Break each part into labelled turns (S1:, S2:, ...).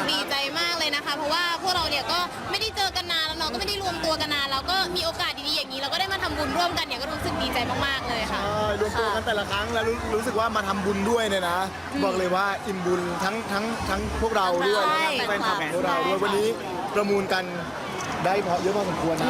S1: ดีใจมากเลยนะคะเพราะว่าพวกเราเนี่ยก็ไม่ได้เจอกันนานแล้วเราก็ไม่ได้รวมตัวกันนานเราก็มีโอกาสดีๆอย่างนี้เราก็ได้มาทำบุญร่วมกันเนี่ยก็รู้สึกดีใจมากๆเลยค่ะ
S2: ใช่รวมตัวกันแต่ละครั้งแล้วรู้สึกว่ามาทำบุญด้วยเนี่ยนะบอกเลยว่าอิ่มบุญทั้งพวกเราด้วย
S1: ใช่
S2: ทั้งแฟนคลับของพวกเราด้วยวันนี้ประมูลกันได้เยอะพอสมควรนะ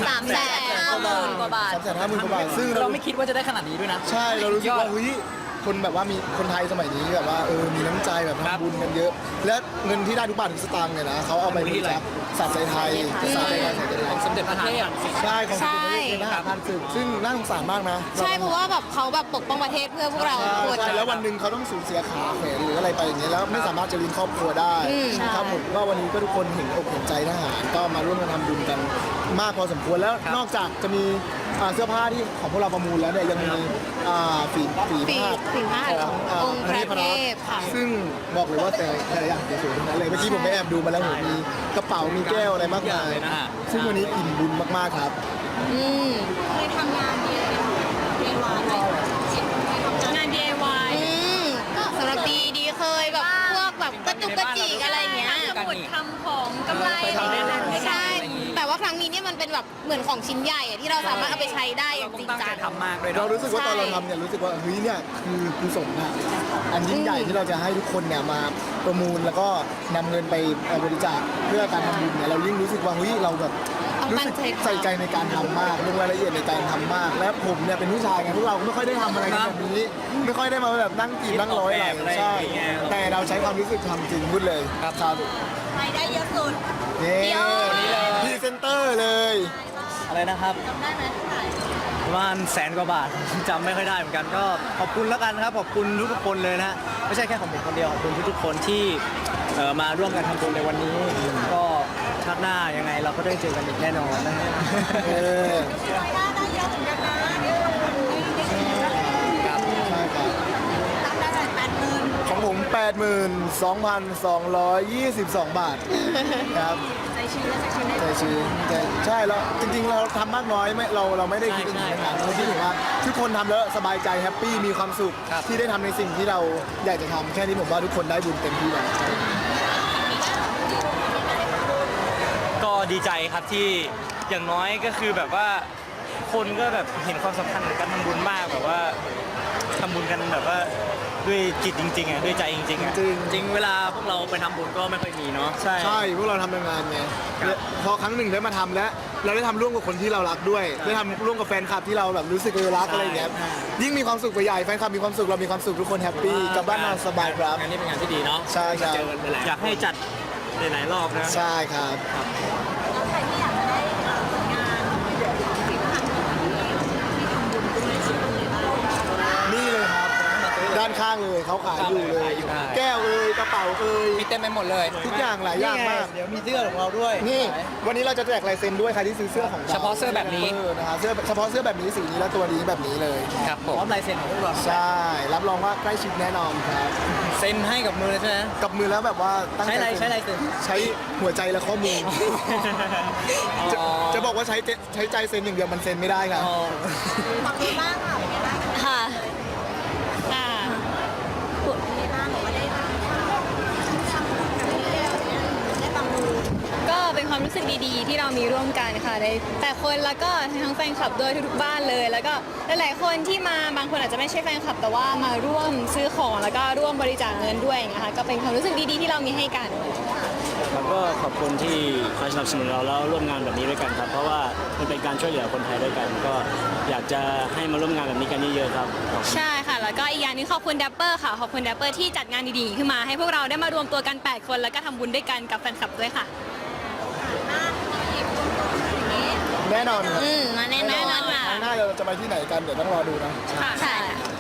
S1: 350,000 กว่าบาท
S2: 350,000 กว่าบาทซึ่ง
S3: เราไม่คิดว่าจะได้ขนาดนี้ด้วยนะ
S2: ใช่เรารู้สึกว่าเฮ้ยคนแบบว่ามีคนไทยสมัยนี้แบบว่ามีน้ำใจแบบ
S3: ครับ
S2: ทำบุญกันเยอะ และเงินที่ได้ทุกบาททุกสตางค์เนี่ยนะเขาเอาไปบริจาคสัตว์ใจไทยสัตว์ใจไทย
S3: ของสมเด็จพระเทพ
S2: ใช่ของสมเด็จพระเทพทหารผ่านศึกซึ่งน่าสงสารมากนะ
S1: ใช่เพราะว่าแบบเขาแบบปกป้องประเทศเพื่อพวกเราทุกคน
S2: ใช่แล้ววันหนึ่งเขาต้องสูญเสียขาแขนหรืออะไรไปอย่างเงี้ยแล้วไม่สามารถจะเลี้ยงครอบครัวได้ครับผมก็วันนี้ก็ทุกคนเห็นอกเห็นใจทหารก็มาร่วมกันทำบุญกันมากพอสมควรแล้วนอกจากจะมีเสื้อผ้าที่ของพวกเราประมูลแล้วเนี่ยยังมีฝีผ้าของ
S1: องค์พระเทพค่ะ
S2: ซึ่งบอกเลยว่าแต่ละอย่างสวยๆทั้งนั้นเลยเมื่อกี้ผมไปแอบดูมาแล้วมีกระเป๋ามีแก้วอะไรมากมายซึ่งวันนี้อิ่มบุญมากๆครับ
S1: เคยทำงาน DIY ไหมงาน DIY ก็สำหรับดีเคยแบบพวกแบบกระจุกกระจิกอะไรอย่างเงี้ยทำของกำไรใช่แต่ว่าครั้งนี้เนี่ยมันเป็นแบบเหมือนของชิ้นใหญ่อะที่เราสามารถเอาไปใช้ได้อย่างจริง
S3: ตั้ง
S1: จั
S3: ใจ
S1: ง
S3: ทำมากเลย
S2: เรา
S3: เนาะ
S2: รู้สึกว่าตอนเราทำเนี่ยรู้สึกว่าเฮ้ยเนี่ยคือกุศลนะอันยิ่งใหญ่ที่เราจะให้ทุกคนเนี่ยมาประมูลแล้วก็นำเงินไปบริจาคเพื่อการทำบุญเนี่ยเรายิ่งรู้สึกว่าเฮ้ยเราแบบรู้สึกใส่ใจในการทำมากลงรายละเอียดในการทำมาก และผมเนี่ยเป็นผู้ชายไงพวกเราไม่ค่อยได้ทำอะไรกันแบบนี้ ไม่ค่อยได้มาแบบนั่งกีบนั่งร้อยอะไรใช่แต่เราใช้ความรู้สึกทำจริงพูดเลยครับ
S1: รายได้เยอะสุด
S2: นี่พรีเซนเตอร์เลย
S3: อะไรนะครับ
S1: จำได้ไหมเท่าไหร่
S3: ประมาณ100,000 กว่าบาท จำไม่ค่อยได้เหมือนกันก็ขอบคุณแล้วกันครับขอบคุณทุกคนเลยนะไม่ใช่แค่ของผมคนเดียวขอบคุณทุกๆคนที่มาร่วมกันทำบุญในวันนี้ ก็ชาติหน้ายังไงเราก็ได้เจอกันอีกแน่นอนนะฮะ
S1: รายได้เยอะเหมือนกันนะ
S3: ครับ
S2: ใช่ครับ
S1: รับได้เลย80,000
S2: ของผม 82,222 บาทครับ
S1: ใจชื้นและใจชื้นได้
S2: ใจชื้นใช่แล้วจริงๆเราทำมากน้อยไม่เราไม่ได้คิดถึงขนาดนั้นเราคิดถึงว่าทุกคนทำแล้วสบายใจแฮปปี้มีความสุขที่ได้ทำในสิ่งที่เราอยากจะทำแค่นี้ผมว่าทุกคนได้บุญเต็มที่แล้ว
S4: ก็ดีใจครับที่อย่างน้อยก็คือแบบว่าคนก็แบบเห็นความสำคัญของการทำบุญมากแบบว่าทำบุญกันแบบว่าด้วยจิตจริงๆอ่ะด้วยใจจริงๆอ่ะ
S2: จริง
S3: จริงเวลาพวกเราไปทำบุญก็ไม่ค่อยมีเนาะ
S4: ใช่
S2: ใช่พวกเราทำงานไงและพอครั้งหนึ่งได้มาทำแล้วเราได้ทำร่วมกับคนที่เรารักด้วยได้ทำร่วมกับแฟนคลับที่เราแบบรู้สึกรักอะไรอย่างเงี้ยยิ่งมีความสุขไปใหญ่แฟนคลับมีความสุขเรามีความสุขทุกคนแฮปปี้กลับบ้านนอนสบายครับ
S3: งานนี้เป็นงานที่ดีเนาะ
S2: ใช่ครับ
S3: เจอกันไปแล้ว
S4: อยากให้จัดหลายๆรอบนะ
S2: ใช่ครับ
S1: แล้วใครที่อยากจะได้ผลงานฝีมือของที่ทำบุญด้วยชื่อเลยบ้าง
S2: นี่เลยครับด้านข้างเลยเขาขายอยู่เลย แก้วกระเป๋า
S3: มีเต็มไปหมดเลย
S2: ทุกอย่างหลายอย่างมาก
S3: เดี๋ยวมีเสื้อของเราด้วย
S2: นี่วันนี้เราจะแจกลายเซ็นด้วยใครที่ซื้อเสื้อของร
S3: เฉพาะเสื้อแบบนี้
S2: นะครับเสื้อเฉพาะเสื้อแบบนี้สีนี้และตัวนี้แบบนี้เลย
S3: ครับผมพร้อมลายเซ็นของพวกเรา
S2: ใช่รับรองว่าใกล้ชิดแน่นอนครับ
S3: เซ็นให้กับมือเลยใช่ไหม
S2: กับมือแล้วแบบว่าตั้งใจ
S3: ใช้อะไรเซ็น
S2: ใช้หัวใจและข้อมือจะ
S3: อ๋อ
S2: จะบอกว่าใช้ใจเซ็นอย่างเดียวมันเซ็นไม่ได้ครับ
S3: อ๋อ
S1: ฝั่งนี้บ้างค่ะเป็นไงบ้างค่ะค่ะผลเป็นไงบ้างบอกว่าได้บ้างได้บางมือ
S5: ก็เป็นความรู้สึกดีๆ ที่เรามีร่วมกันค่ะในแต่คนแล้วก็ทั้งแฟนคลับด้วยทุกๆบ้านเลย แล้วก็หลายๆคนที่มาบางคนอาจจะไม่ใช่แฟนคลับ แต่ว่ามาร่วมซื้อของแล้วก็ร่วมบริจาคเงินด้วยอย่างเงี้ยค่ะก็เป็นความรู้สึกดีๆที่เรามีให้กัน
S4: แล้วก็ขอบคุณที่คอยสนับสนุนเราแล้วร่วมงานแบบนี้ด้วยกันครับ เพราะว่ามันเป็นการช่วยเหลือคนไทยด้วยกัน ก็อยากจะให้มาร่วมงานแบบนี้กันเยอะๆครับ
S5: ใช่ค่ะ แล้วก็อีกอย่างหนึงขอบคุณดัปเปอร์ค่ะ ขอบคุณดัปเปอร์ที่จัดงานดีๆ ขึ้นมาให้พวกเราได้มารวมตัวกัน 8 คนแล้วก็ทำบุญด้วยกันกับแฟนคลับด้วยค่ะ
S2: แน่นอนครับ
S1: มาแน่นอนค่ะ
S2: ครั้งหน้าเราจะไปที่ไหนกันเดี๋ยวต้องรอดูนะ
S5: ค่ะ